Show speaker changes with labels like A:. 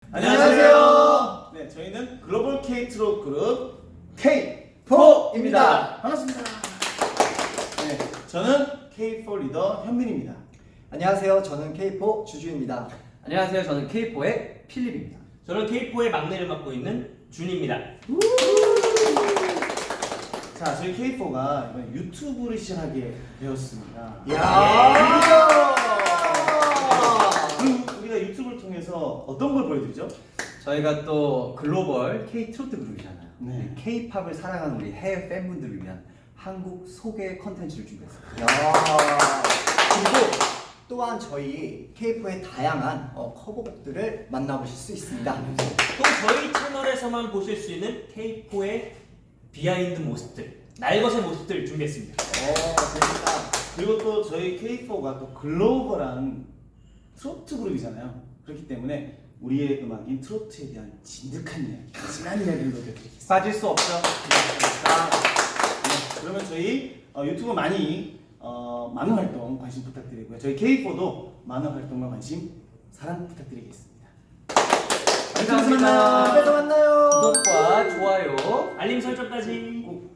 A: 안녕하세요. 네, 저희는 글로벌 K 트롯 그룹 K4입니다. 반갑습니다. 네, 저는 K4 리더 현민입니다.
B: 안녕하세요. 저는 K4 주주입니다.
C: 안녕하세요. 저는 K4의 필립입니다.
D: 저는 K4의 막내를 맡고 있는 준입니다.
A: 자, 저희 K4가 이번에 유튜브를 시작하게 되었습니다.
B: 야!
A: 그리고 우리가 유튜브를 통해서 어떤 걸 보여드리죠?
C: 저희가 또 글로벌 K 트로트 그룹이잖아요.
A: 네.
C: K-팝을 사랑하는 우리 해외 팬분들을 위한 한국 소개 컨텐츠를 준비했습니다.
B: 야! 그리고 또한 저희 K4의 다양한 커버곡들을 만나보실 수 있습니다.
D: 또 저희 채널에서만 보실 수 있는 K4의 비하인드 모습들, 날것의 모습들 준비했습니다.
B: 재밌다.
A: 그리고 또 저희 K4가 또 글로벌한 트로트 그룹이잖아요. 그렇기 때문에 우리의 음악인 트로트에 대한 진득한 이야기, 진한 이야기를 녹여드리겠습니다.
C: 빠질 수 없죠.
A: 네, 그러면 저희 유튜브 많은 활동 관심 부탁드리고요. 저희 K4도 많은 활동과 관심, 사랑 부탁드리겠습니다.
C: 감사합니다.
B: 그래서 만나요.
C: 구독과 좋아요
D: 알림 설정까지.
A: 꼭